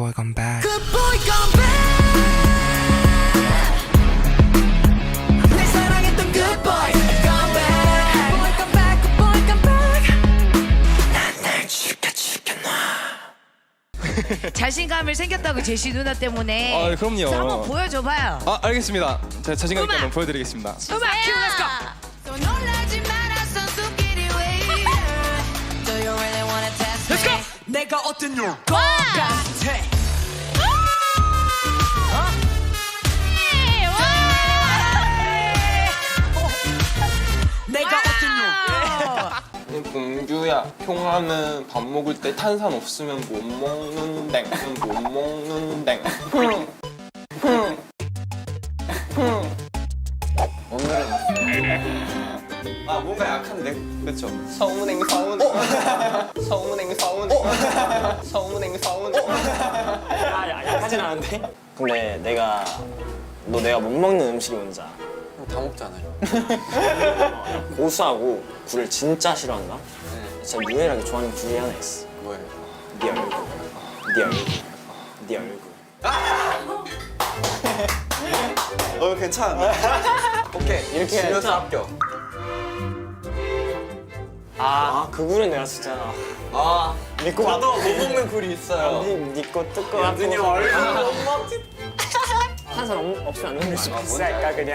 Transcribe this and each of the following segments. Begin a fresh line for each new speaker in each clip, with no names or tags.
boy come back.
Good boy come back. 내 사랑했던 good boy come back. Boy come back. Good boy come back. 난 날 죽여놔.
자신감을 생겼다고 제시 누나 때문에.
아, 그럼요.
자, 한번 보여줘봐요.
아, 알겠습니다. 제가 자신감 있게
음악.
한번 보여드리겠습니다.
음악 큐, let's go.
또 놀라지 마라 선수끼리 왜 이래. Do you really wanna test me?
Let's go.
내가 어떤 것 같아. 내가 어떤
공주야, 형아는 밥 먹을 때 탄산 없으면 못 먹는댕, 못 먹는댕. 오늘은 뭔가 약한데, 그렇죠? 서운행 서운. 서운행 서운. 서운행 서운.
약하진 않은데? 근데 내가 내가 못 먹는 음식이 뭔지 알아?
다 먹잖아요.
고수하고 굴을 진짜 싫어한다? 진짜 유일하게 좋아하는 굴이 하나 있어.
뭐예요?
네 얼굴. 네 얼굴. 네 얼굴.
괜찮아. 오케이, 이렇게 해서 합격.
그 굴은 내가 진짜
믿고 나도 못 먹는 굴이 있어요.
니거 뜯고 연준이 얼굴 못 먹지. 탄산 없으면 안 먹는 수 있을까 그냥.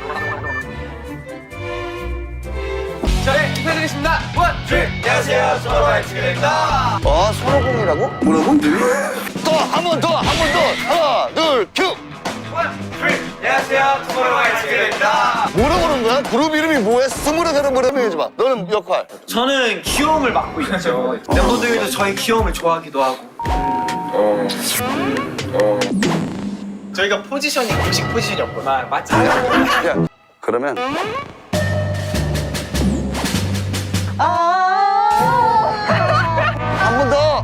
네, 인사드리겠습니다. 원, 투, 안녕하세요. 스포츠와의 지그입니다.
손오공이라고? 뭐라고? 또 한 번 더, 하나, 둘, 큐!
원, 투, 안녕하세요. 스포츠와의 지그입니다.
뭐라고 그러는 거야? 그룹 이름이 뭐야? 스물에 사람 뭐라고 해줘봐. 너는 역할.
저는 귀여움을 맡고 있죠. 멤버들도 저희 귀여움을 좋아하기도 하고. 저희가 포지션이 공식 포지션이었구나. 맞지?
야, 그러면 한 번 더.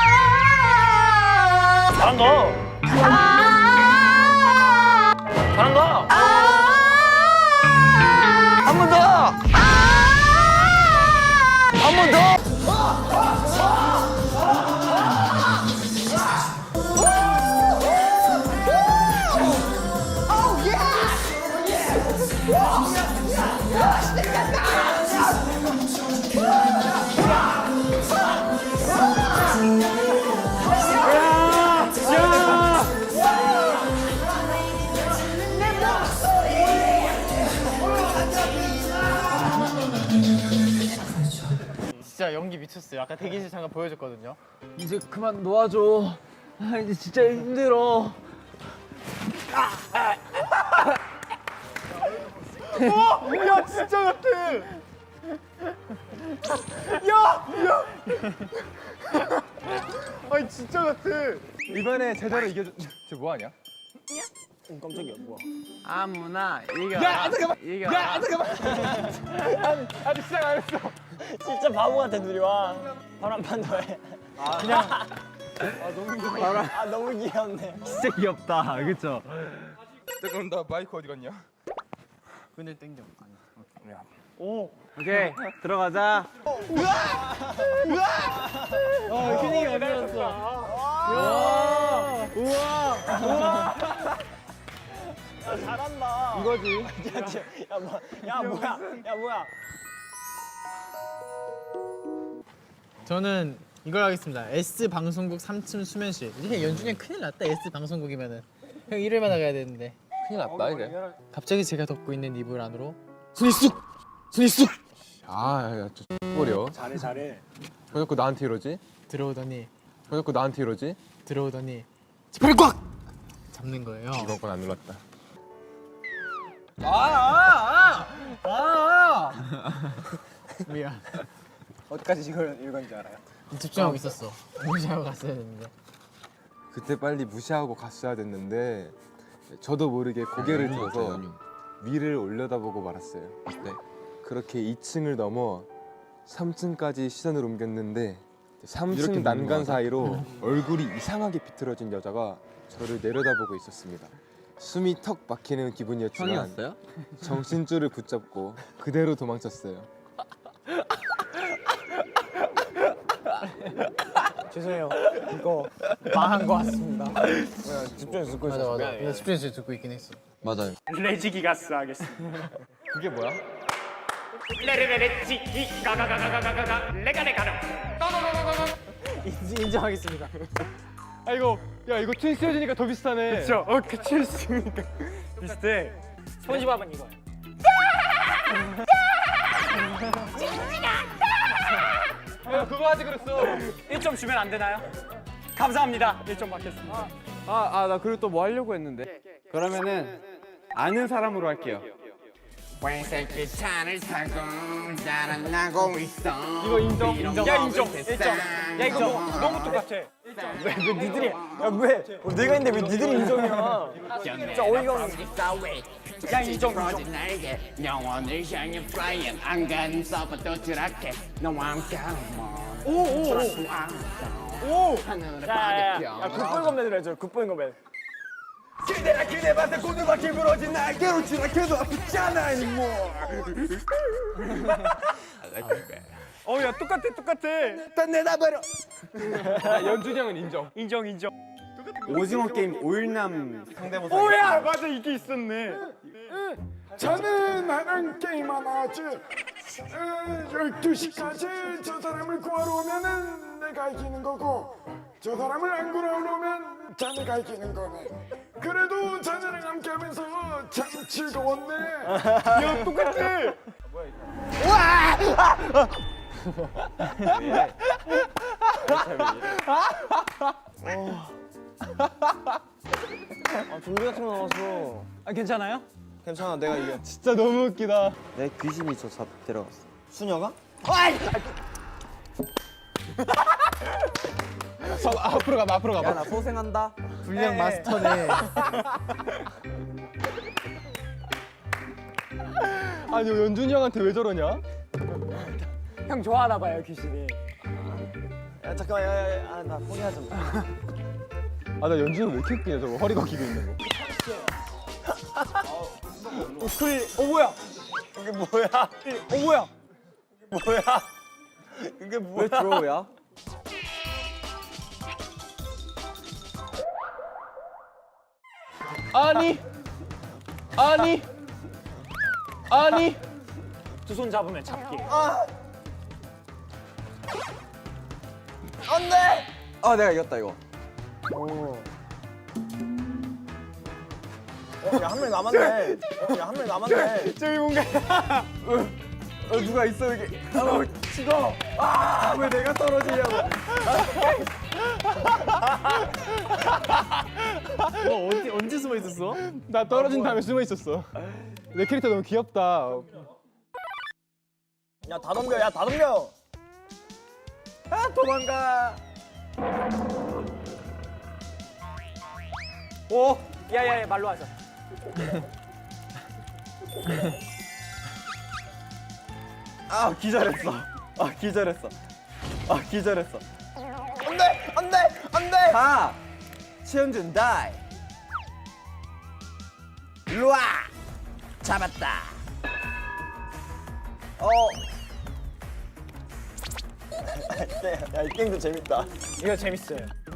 잘한다. 잘한다.
한 번 더. 한 번 더.
진짜 연기 미쳤어요. 아까 대기실 잠깐 보여줬거든요. 이제 그만 놓아줘. 이제 진짜 힘들어. 야 진짜 같아. 아니 진짜 같아.
이번에 제대로 이겨줘. 쟤 뭐하냐?
깜짝이야 뭐야?
아무나 이겨라. 야 잠깐만. 이겨라. 야 잠깐만. 아직 시작 안 했어.
진짜 바보 같아 둘이 와. 바로 한 판 더 해.
너무 귀여워.
너무 귀엽네.
진짜 귀엽다. 그쵸?
그럼 나 마이크 어디 갔냐?
끈을 땡겨. 오케이 들어가자. 큐닝이 어디였어? 우와.
잘한다.
이거지.
야 뭐야?
저는 이걸 하겠습니다. S 방송국 3층 수면실. 이게 연준이 형 큰일 났다. S 방송국이면은 형 일요일마다 가야 되는데.
큰일 났다, 이래.
갑자기 제가 덮고 있는 이불 안으로 손이 쑥
아, 저 버려.
잘해.
왜 자꾸 나한테 이러지?
들어오더니
왜 자꾸 나한테 이러지?
지퍼를 꽉 잡는 거예요.
이번 건 안 눌렀다.
미안.
어디까지 이걸 읽은지 알아요?
집중하고 있었어. 무시하고 갔어야 했는데.
그때 빨리 무시하고 갔어야 됐는데 저도 모르게 고개를 들어서 위를 올려다보고 말았어요. 네. 그렇게 2층을 넘어 3층까지 시선을 옮겼는데 3층 난간 사이로 얼굴이 이상하게 비틀어진 여자가 저를 내려다보고 있었습니다. 숨이 턱 막히는 기분이었지만 정신줄을 붙잡고 그대로 도망쳤어요.
죄송해요. 이거 망한 것 같습니다. 집중해서 듣고 있었어. 맞아. 집중해서 듣고 있긴 했어.
맞아요.
레지기가스 하겠습니다.
그게 뭐야?
레레레레지기 가가가가가가가 레가레가르.
인정하겠습니다.
아 이거 야 이거 트윈스 헤어지니까 더 비슷하네.
그렇죠. 트윈스니까 비슷해.
스폰지밥은 이거야.
야 그거 하지 그랬어.
1점 주면 안 되나요? 감사합니다. 1점 받겠습니다.
나 그리고 또 뭐 하려고 했는데. 그러면은 아는 사람으로 할게요.
회색의 차를 타고 자랑하고 있어.
이거 인정.
야 인정. 1점. 야 이거 너무 똑같아.
왜 니들이? 야왜 내가 있는데 왜 니들이 인정이야?
진짜 어이가 없네.
야 인정.
날개 영원을 향해 flying 안간 서부터 드랍해 너와 함께하는 오 하늘을
야 굿보이 건맨을 해줘. 굿보이 건맨.
그대라 그대밭에 고두바퀴 부러진 날개로 지나쳐도 아프잖아 anymore.
야 똑같아.
다 내다버려.
연준이 형은 인정.
인정.
오징어 게임 오일남 상대모사.
오야 맞아 이게 있었네.
저는 하는 게임 하나 하지. 12시까지 저 사람을 구하러 오면은 내가 이기는 거고 저 사람을 안 구하러 오면 자네가 이기는 거네. 그래도 자네랑 함께 하면서 참 즐거웠네.
야 똑같아.
좀비 같은 거 나왔어.
괜찮아요?
괜찮아, 내가 이겨.
진짜 너무 웃기다.
내 귀신이 저 데려갔어. 수녀가?
앞으로 가봐.
야, 나 소생한다. 불량 마스터네.
아니 연준이 형한테 왜 저러냐?
형 좋아하나 봐요, 귀신이. 야, 잠깐만, 야, 나 포기하자.
아 나 연준이 왜 이렇게 웃기냐 저거 허리가 기고 있는 거.
뭐야? 이게 뭐야? 뭐야? 뭐야? 이게 뭐야? 왜 드로우야?
아니
두 손 잡으면 잡기.
안 돼! 내가 이겼다, 이거. 야, 한 명 남았네. 한 명 남았네.
저기 뭔가
누가 있어, 여기. 찍어. 왜 내가 떨어지냐고. 언제 숨어 있었어?
나 떨어진 다음에 숨어 있었어. 내 캐릭터 너무 귀엽다.
야, 다 덤벼, 다 덤벼. 도망가.
오. 야야야 말로 하자.
기절했어. 기절했어. 안 돼. 가. 최현준 다이.
일로와 잡았다.
야, 이 게임도 재밌다.
이거 재밌어요.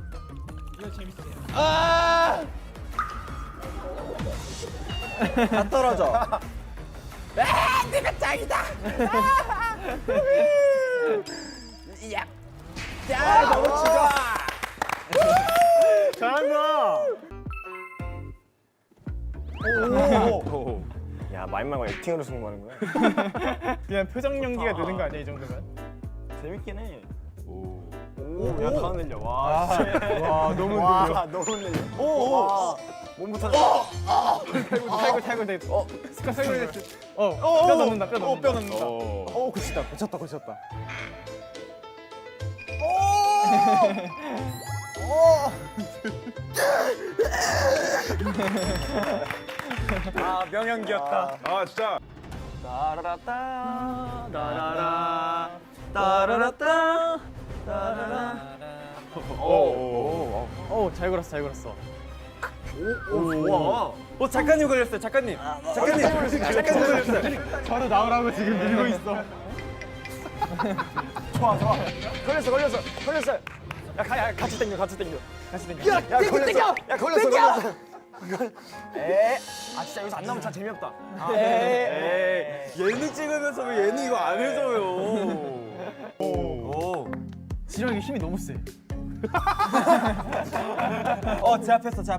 다 떨어져.
내가 짱이다. 야,
너무 치자.
잘한다.
야, 마인 말고 액팅으로 승부하는 거야?
그냥 표정 연기가 느는 거 아니야 이 정도면?
재밌긴 해. 야, 다 흔들려. 와,
너무
너무 흔들려. 몸부터.
탈골. 뼈 넣는다. 뼈 넣는다.
고쳤다.
명연기였다.
아 진짜.
따라라따 따라라 따라라따 따라라.
잘 걸었어.
와. 작가님 걸렸어요. 작가님 걸렸어요.
바로 나오라고 지금 밀고 있어.
걸렸어.
같이 당겨. 야, 걸렸어. 야, 걸렸어. 아, 진짜 여기서 안 나오면 참 재미없다.
예능 찍으면서 왜 예능 이거 안 해줘요? 지렁이 힘이 너무 세. 제압했어. 자,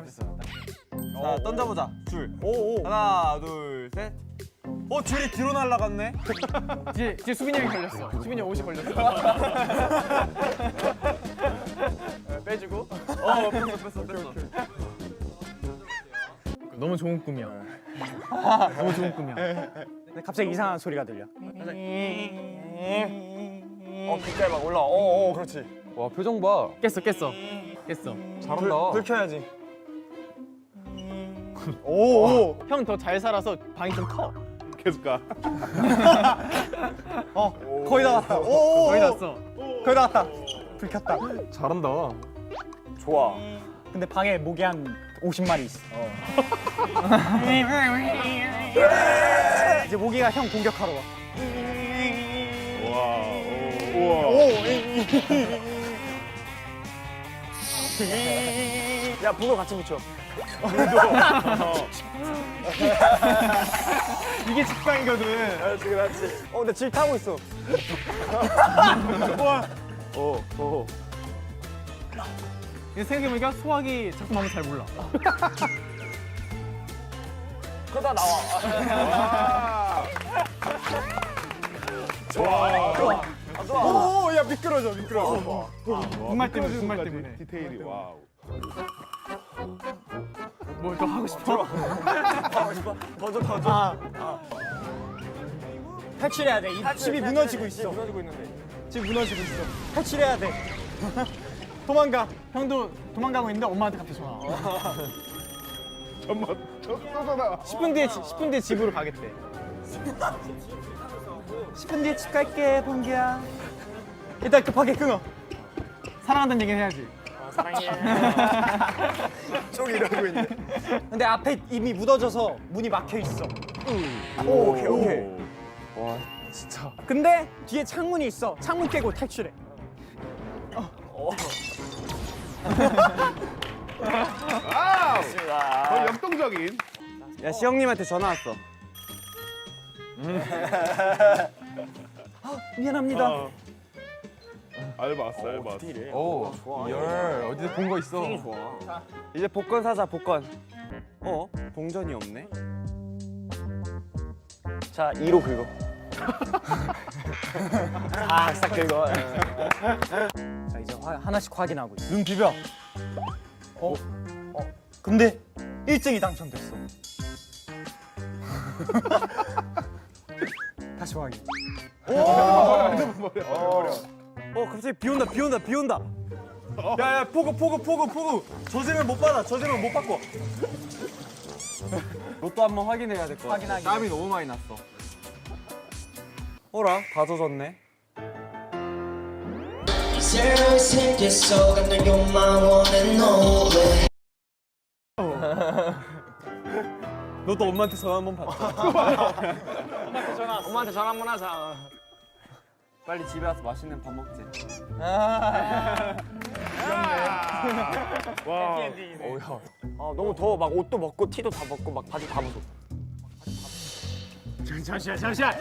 던져보자. 줄. 하나, 둘, 셋. 줄이 뒤로 날아갔네. 뒤에 수빈이 형이 걸렸어. 수빈이 형 옷이 걸렸어. 빼주고. 뺐어. 너무 좋은 꿈이야. 너무 좋은 꿈이야.
근데 갑자기 이상한 소리가 들려. 빛깔 막 올라. 그렇지.
와 표정 봐.
깼어.
잘한다.
불 켜야지.
형 더 잘 살아서 방이 좀 커.
계속 가.
거의 다 왔다.
거의 났어.
거의 다 왔다. 불 켰다.
잘한다.
좋아. 근데 방에 모기 한 50마리 있어. 이제 모기가 형 공격하러 와. 야, bun어 같이 붙여.
이게 직방이거든.
그렇지. 근데 질 타고 있어.
생각해보니까 소화기 작동하면 잘 몰라.
그러다 나와. 좋아. 야, 미끄러져.
분말 때문에.
디테일이 와우.
뭐 더 하고 싶어?
더 줘. 탈출해야 돼. 이 집이 무너지고 있어. 집 무너지고 있어. 탈출해야 돼. 도망가.
형도 도망가고 있는데 엄마한테 갑자기 전화.
잠깐만.
10분 뒤에 집으로 가겠대.
10분 뒤에 집 갈게, 봉기야. 일단 급하게 끊어.
사랑한다는 얘기는 해야지.
쪽 이러고 있네. 근데 앞에 이미 묻어져서 문이 막혀 있어. 오케이.
와 진짜.
근데 뒤에 창문이 있어. 창문 깨고 탈출해.
거의 역동적인.
야, 시영님한테 전화 왔어. 미안합니다.
알바 왔어.
오 열 어디서 본 거 있어.
이제 복권 사자, 복권. 동전이 없네. 자, 2로 긁어. 싹 긁어. 자, 이제 하나씩 확인하고 있어. 눈 비벼. 근데 1등이 당첨됐어. 다시 확인. 갑자기 비 온다. 야, 포구. 저지면 못 받아. 저지면 못 받고. 로또 한번 확인해야 될 것 같아. 땀이 너무 많이 났어. 어라, 다 젖었네.
새로이 생겼어 근데 you're my one and only
로또 엄마한테 전화 한번 받자. 엄마한테 전화 한번 하자. 빨리 집에 와서 맛있는 밥 먹지. 너무 더워. 막 옷도 벗고 티도 다 벗고 막 바지 다 벗어.
잠시만.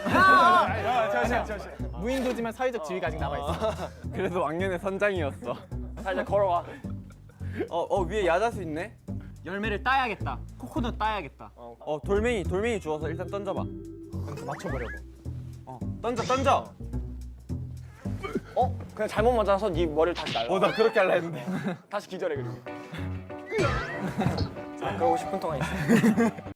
무인도지만 사회적 지위가 아직 남아있어.
그래도 왕년의 선장이었어. 자, 이제 걸어와. 위에 야자수 있네.
열매를 따야겠다. 코코넛 따야겠다.
돌멩이 주워서 일단 던져봐.
맞춰보려고.
던져. 그냥 잘못 맞아서 네 머리를 다시 날라. 나 그렇게 할라 했는데. 다시 기절해, 그리고. 자, 그러고 10분 동안 있어.